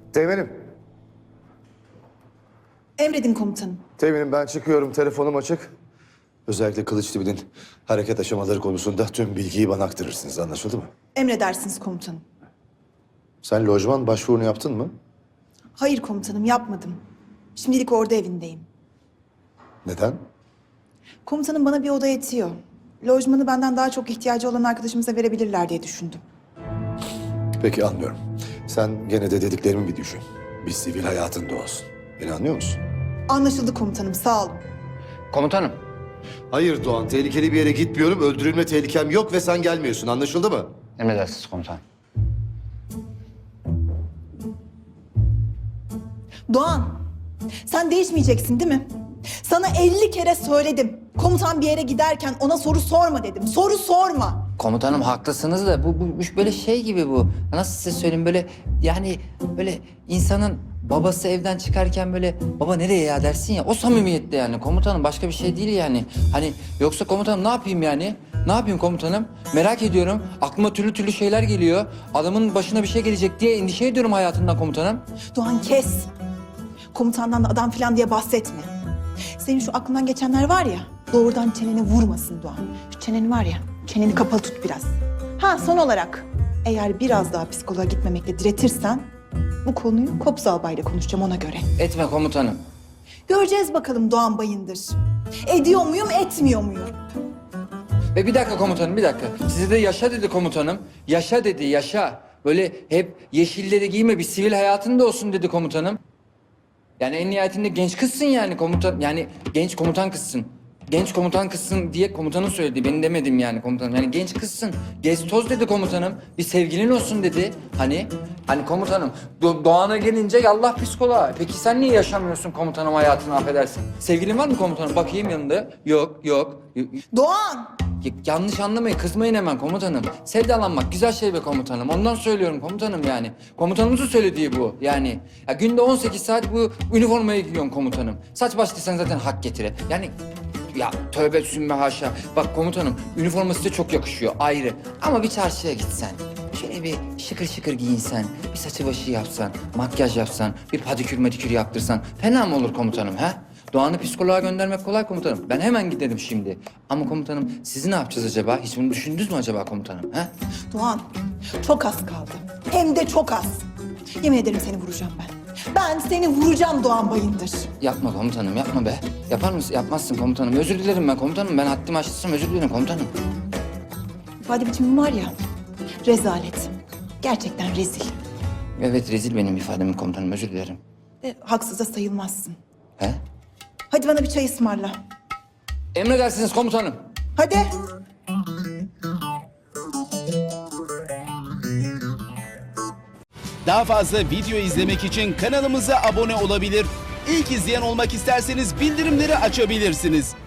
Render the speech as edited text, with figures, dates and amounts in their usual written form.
Teğmenim. Emredin komutanım. Teğmenim ben çıkıyorum. Telefonum açık. Özellikle Kılıçdaroğlu'nun hareket aşamaları konusunda tüm bilgiyi bana aktarırsınız. Anlaşıldı mı? Emredersiniz komutanım. Sen lojman başvurunu yaptın mı? Hayır komutanım, yapmadım. Şimdilik orada evindeyim. Neden? Komutanım bana bir oda yetiyor. Lojmanı benden daha çok ihtiyacı olan arkadaşımıza verebilirler diye düşündüm. Peki anlıyorum. Sen gene de dediklerimi bir düşün. Bir sivil hayatın da olsun. Beni anlıyor musun? Anlaşıldı komutanım, sağ olun. Komutanım. Hayır Doğan, tehlikeli bir yere gitmiyorum. Öldürülme tehlikem yok ve sen gelmiyorsun. Anlaşıldı mı? Emredersiniz komutanım. Doğan, sen değişmeyeceksin değil mi? Sana 50 kere söyledim. Komutan bir yere giderken ona soru sorma dedim. Soru sorma. Komutanım haklısınız da bu böyle şey gibi bu. Nasıl size söyleyeyim böyle yani böyle insanın babası evden çıkarken böyle baba nereye ya dersin ya o samimiyette yani komutanım başka bir şey değil yani. Hani yoksa komutanım ne yapayım yani? Ne yapayım komutanım? Merak ediyorum. Aklıma türlü türlü şeyler geliyor. Adamın başına bir şey gelecek diye endişe ediyorum hayatından komutanım. Doğan kes. Komutandan da adam falan diye bahsetme. Senin şu aklından geçenler var ya, doğrudan çeneni vurmasın Doğan. Şu çeneni var ya, çeneni kapalı tut biraz. Ha son olarak, eğer biraz daha psikoloğa gitmemekle diretirsen... ...bu konuyu Kobza Albay'la konuşacağım ona göre. Etme komutanım. Göreceğiz bakalım Doğan Bayındır. Ediyor muyum, etmiyor muyum? Ve bir dakika komutanım bir dakika. Size de yaşa dedi komutanım. Yaşa dedi yaşa. Böyle hep yeşilleri giyme bir sivil hayatın da olsun dedi komutanım. Yani en nihayetinde genç kızsın yani komutan. Yani genç komutan kızsın. Genç komutan kızsın diye komutanın söyledi. Ben demedim yani komutanım. Yani genç kızsın. Gez toz dedi komutanım. Bir sevgilin olsun dedi. Hani komutanım Doğan'a gelince yallah psikoloğa. Peki sen niye yaşamıyorsun komutanım hayatını affedersin? Sevgilin var mı komutanım? Bakayım yanında. Yok. Doğan! Yanlış anlamayın, kızmayın hemen komutanım. Sevdalanmak güzel şey be komutanım. Ondan söylüyorum komutanım yani. Komutanımızın söylediği bu yani. Ya günde 18 saat bu üniformaya giyiyorsun komutanım. Saç baş desen zaten hak getire. Yani ya tövbe sümme haşa. Bak komutanım üniforma size çok yakışıyor ayrı. Ama bir çarşıya gitsen, şöyle bir şıkır şıkır giyinsen, bir saçı başı yapsan, makyaj yapsan, bir padikür yaptırsan fena mı olur komutanım ha? Doğan'ı psikoloğa göndermek kolay komutanım. Ben hemen giderim şimdi. Ama komutanım sizi ne yapacağız acaba? Hiç bunu düşündünüz mü acaba komutanım? Ha? Doğan, çok az kaldı. Hem de çok az. Yemin ederim seni vuracağım ben. Ben seni vuracağım Doğan Bayındır. Yapma komutanım yapma be. Yapar mısın? Yapmazsın komutanım. Özür dilerim ben komutanım. Ben haddimi aştıysam özür dilerim komutanım. İfade biçimim var ya, rezalet. Gerçekten rezil. Evet rezil benim ifadem komutanım. Özür dilerim. Haksız da sayılmazsın. He? Hadi bana bir çay ısmarla. Emredersiniz komutanım. Hadi. Daha fazla video izlemek için kanalımıza abone olabilir. İlk izleyen olmak isterseniz bildirimleri açabilirsiniz.